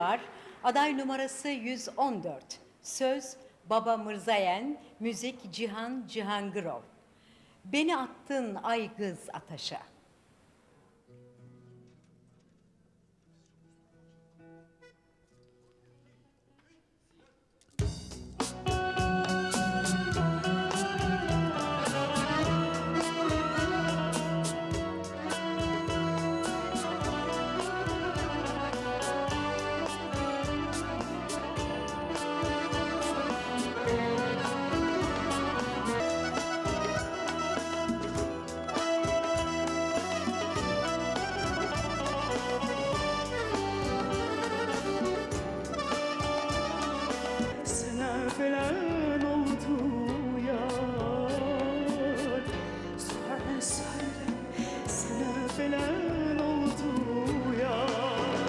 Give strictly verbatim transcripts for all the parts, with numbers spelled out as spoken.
var. Aday numarası yüz on dört. Söz Baba Mırzayen, müzik Cihan Cihangirov. Beni attın ay kız ataşa. Falan oldu yar. Söyle söyle sana falan oldu yar.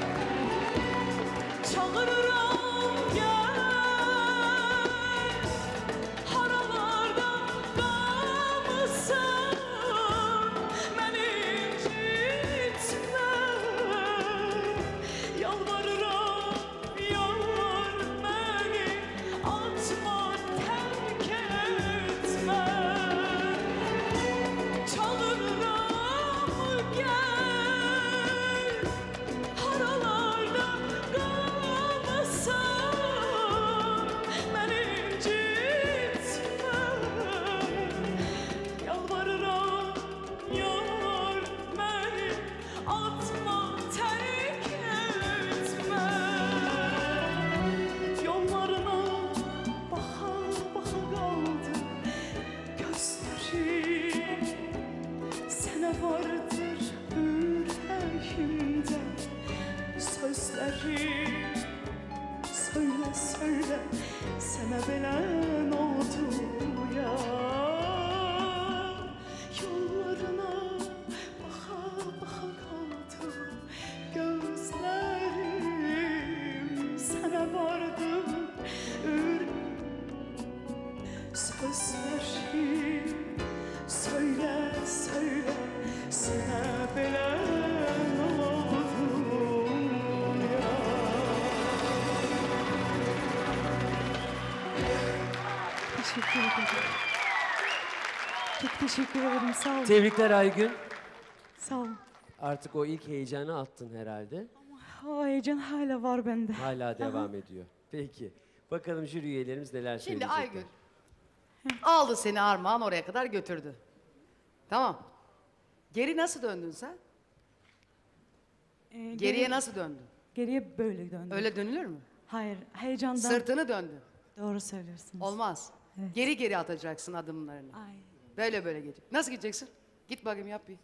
Çağırırım gel, haralardan kalmışsın, beni incitme. Yalvarırım yar beni atma, terk etme. Çağırırım gel, haralardan kalmasın, beni incitme. Yalvarırım yar beni atma, terk etme. Yollarına baka baka kaldı gözlerim. Sana vardır yüreğimde sözlerim. Söyle söyle sana belen oldu ya. Yollarına baka baka kaldı gözlerim. Sana vardır sözlerim. Söyle söyle sana belen oldu ya. Teşekkür ederim. Çok teşekkür ederim. Sağ olun. Tebrikler Aygün. Sağ olun. Artık o ilk heyecanı attın herhalde. O heyecan hala var bende. Hala devam ediyor. Peki. Bakalım jüri üyelerimiz neler Şimdi söyleyecekler. Aygün aldı seni Armağan oraya kadar götürdü. Tamam. Geri nasıl döndün sen? Ee, Geriye geri- nasıl döndün? Geriye böyle döndüm. Öyle dönülür mü? Hayır, heyecandan. Sırtını döndün. Doğru söylüyorsunuz. Olmaz. Evet. Geri geri atacaksın adımlarını. Ay. Böyle böyle gidecek. Nasıl gideceksin? Git bakayım yap bir.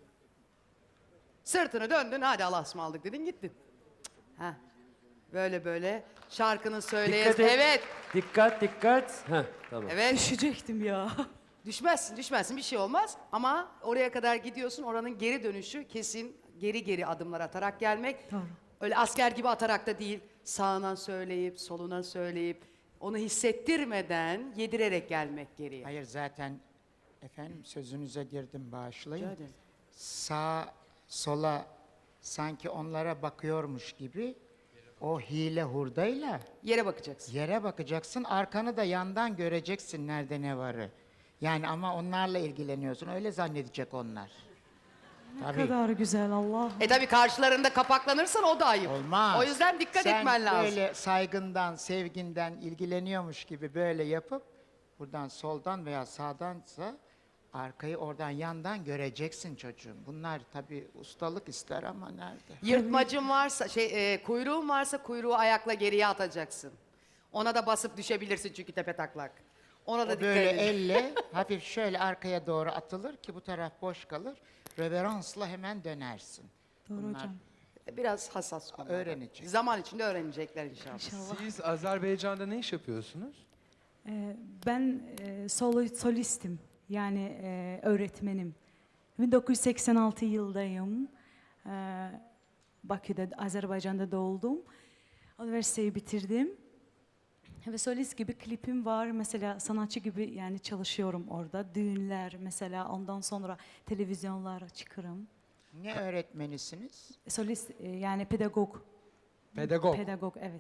Sırtını döndün hadi Allah'a ısmarladık dedin gittin. Ha. Böyle böyle şarkının söyleyez. Dikkat et. Evet. Dikkat dikkat. Heh, tamam. Evet. Düşecektim ya. Düşmezsin, düşmezsin bir şey olmaz ama oraya kadar gidiyorsun oranın geri dönüşü kesin geri geri adımlar atarak gelmek. Doğru. Öyle asker gibi atarak da değil, sağına söyleyip, soluna söyleyip, onu hissettirmeden yedirerek gelmek geriye. Hayır zaten efendim sözünüze girdim Rica bağışlayın. ederim. Sağ sola sanki onlara bakıyormuş gibi o hile hurdayla Yere bakacaksın. yere bakacaksın, arkanı da yandan göreceksin nerede ne varı. Yani ama onlarla ilgileniyorsun, öyle zannedecek onlar. Ne Tabii. kadar güzel Allah. E tabi karşılarında kapaklanırsan o da ayıp. Olmaz. O yüzden dikkat Sen etmen lazım. böyle saygından, sevginden ilgileniyormuş gibi böyle yapıp buradan soldan veya sağdansa arkayı oradan yandan göreceksin çocuğum. Bunlar tabii ustalık ister ama nerede? Yırtmacın varsa, şey e, kuyruğun varsa kuyruğu ayakla geriye atacaksın. Ona da basıp düşebilirsin çünkü tepe taklak. Ona da O dikkat böyle edin. elle hafif şöyle arkaya doğru atılır ki bu taraf boş kalır. Reveransla hemen dönersin. Doğru Bunlar hocam. Biraz hassas konular. öğrenecek. Zaman içinde öğrenecekler inşallah. İnşallah. Siz Azerbaycan'da ne iş yapıyorsunuz? Ee, ben e, solo, solistim. Yani e, öğretmenim. bin dokuz yüz seksen altı yıldayım. Ee, Bakü'de, Azerbaycan'da doğdum. Üniversiteyi bitirdim. Ve solist gibi klipim var. Mesela sanatçı gibi yani çalışıyorum orada. Düğünler mesela, ondan sonra televizyonlara çıkarım. Ne öğretmenisiniz? Solist e, yani pedagog. Pedagog. Pedagog, evet.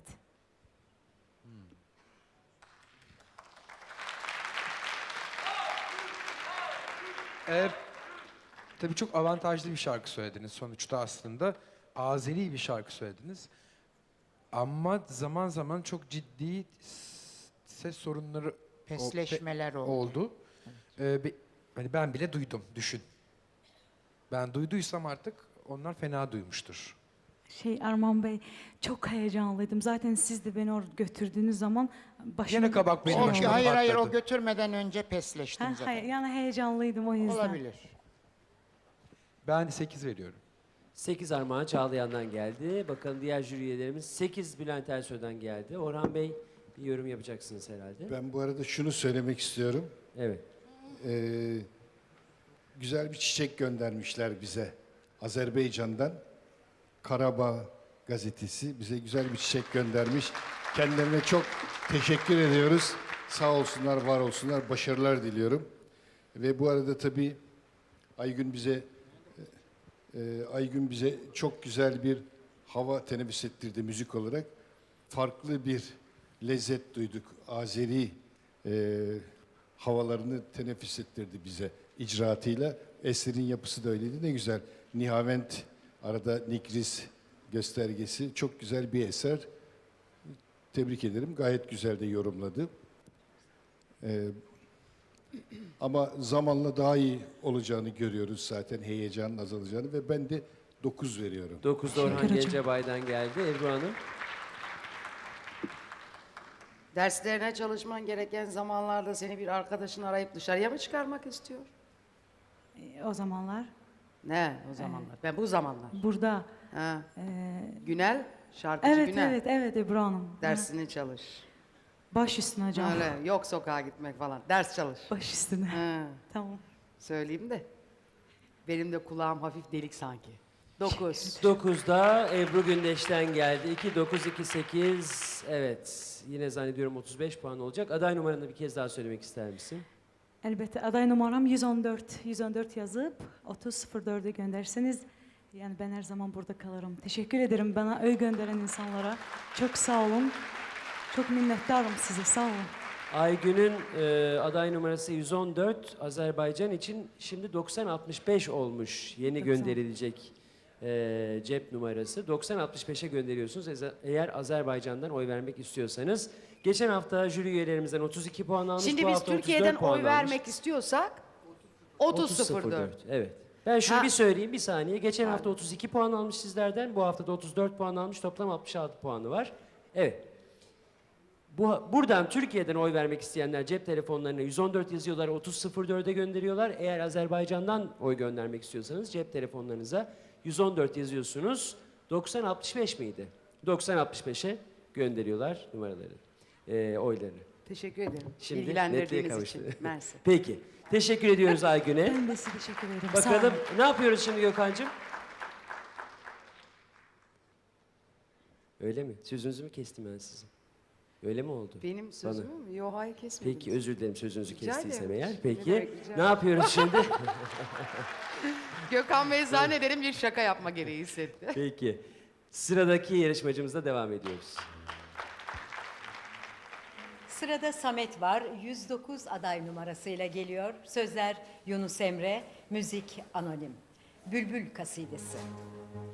Ee, tabii çok avantajlı bir şarkı söylediniz sonuçta aslında. Azeri bir şarkı söylediniz. Ama zaman zaman çok ciddi s- ses sorunları o- Pesleşmeler pe- oldu. oldu. Ee, be- hani ben bile duydum, düşün. Ben duyduysam artık onlar fena duymuştur. Şey Arman Bey, çok heyecanlıydım. Zaten siz de beni oraya götürdüğünüz zaman başım... Yine kabak benim O, şey başıma oldu. hayır hayır o patladı. götürmeden önce pesleştin Ha, zaten. hayır, yani heyecanlıydım o yüzden. Olabilir. Ben sekiz veriyorum. sekiz Armağan Çağlayan'dan geldi. Bakalım diğer jüri üyelerimiz. sekiz Bülent Ersoy'dan geldi. Orhan Bey bir yorum yapacaksınız herhalde. Ben bu arada şunu söylemek istiyorum. Evet. Ee, güzel bir çiçek göndermişler bize Azerbaycan'dan. Karabağ gazetesi bize güzel bir çiçek göndermiş. Kendilerine çok teşekkür ediyoruz. Sağ olsunlar, var olsunlar. Başarılar diliyorum. Ve bu arada tabii Aygün bize e, Aygün bize çok güzel bir hava teneffüs ettirdi müzik olarak. Farklı bir lezzet duyduk. Azeri e, havalarını teneffüs ettirdi bize icraatıyla. Eserin yapısı da öyleydi. Ne güzel. Nihavent, arada Nikris göstergesi. Çok güzel bir eser. Tebrik ederim. Gayet güzel de yorumladı. Ee, ama zamanla daha iyi olacağını görüyoruz zaten. Heyecanın azalacağını ve ben de dokuz veriyorum. dokuzda Orhan Teşekkür ederim. Gencebay'dan geldi. Ebru Hanım. Derslerine çalışman gereken zamanlarda seni bir arkadaşın arayıp dışarıya mı çıkarmak istiyor? E, O zamanlar Ne o zamanlar? Ben bu zamanlar. burada... Ha. e, Günel, şarkıcı evet, Günel. evet, evet Ebru Hanım. Ha, Dersini çalış. Baş üstüne hocam. Öyle yok sokağa gitmek falan. Ders çalış. Baş üstüne. Ha. Tamam. Söyleyeyim de. Benim de kulağım hafif delik sanki. Dokuz. dokuzda Ebru Gündeş'ten geldi. iki, dokuz, iki, sekiz. Evet. Yine zannediyorum otuz beş puan olacak. Aday numaranı bir kez daha söylemek ister misin? Elbette aday numaram yüz on dört. yüz on dört yazıp otuz sıfır dörde gönderseniz yani ben her zaman burada kalırım. Teşekkür ederim bana öy gönderen insanlara. Çok sağ olun. Çok minnettarım size. Sağ olun. Aygün'ün e, aday numarası yüz on dört. Azerbaycan için şimdi doksan altmış beş olmuş. Yeni doksan. gönderilecek e, cep numarası. doksan altmış beşe gönderiyorsunuz eze- eğer Azerbaycan'dan oy vermek istiyorsanız. Geçen hafta jüri üyelerimizden otuz iki puan almış. Şimdi bu biz hafta otuz dört Türkiye'den puan oy almış. vermek istiyorsak otuz sıfır dört. Evet. Ben şunu Ha. bir söyleyeyim bir saniye. Geçen hafta otuz iki puan almış sizlerden. Bu hafta da otuz dört puan almış. Toplam altmış altı puanı var. Evet. Bu, buradan Türkiye'den oy vermek isteyenler cep telefonlarına yüz on dört yazıyorlar, otuz sıfır dörde gönderiyorlar. Eğer Azerbaycan'dan oy göndermek istiyorsanız cep telefonlarınıza yüz on dört yazıyorsunuz. doksan altmış beş miydi? doksan altmış beşe gönderiyorlar numaraları, e, oylarını. Teşekkür ederim. Şimdi netliğe Bilgilendirdiğiniz kavuştu. için. Mersi. Peki. Teşekkür ediyoruz Aygün'e. Ben de size teşekkür ederim. Sağ Bakalım olun. ne yapıyoruz şimdi Gökhan'cığım? Öyle mi? Sözünüzü mü kestim ben sizin? Öyle mi oldu? Benim sözümü mü? Yok hayır kesmediniz. Peki özür dilerim sözünüzü Rica kestiysem ederim. eğer. Ne Peki demek, rica ne ederim. yapıyoruz şimdi? Gökhan Bey zannederim bir şaka yapma gereği hissetti. Peki sıradaki yarışmacımızla devam ediyoruz. Sırada Samet var. yüz dokuz aday numarasıyla geliyor. Sözler Yunus Emre, müzik anonim. Bülbül kasidesi.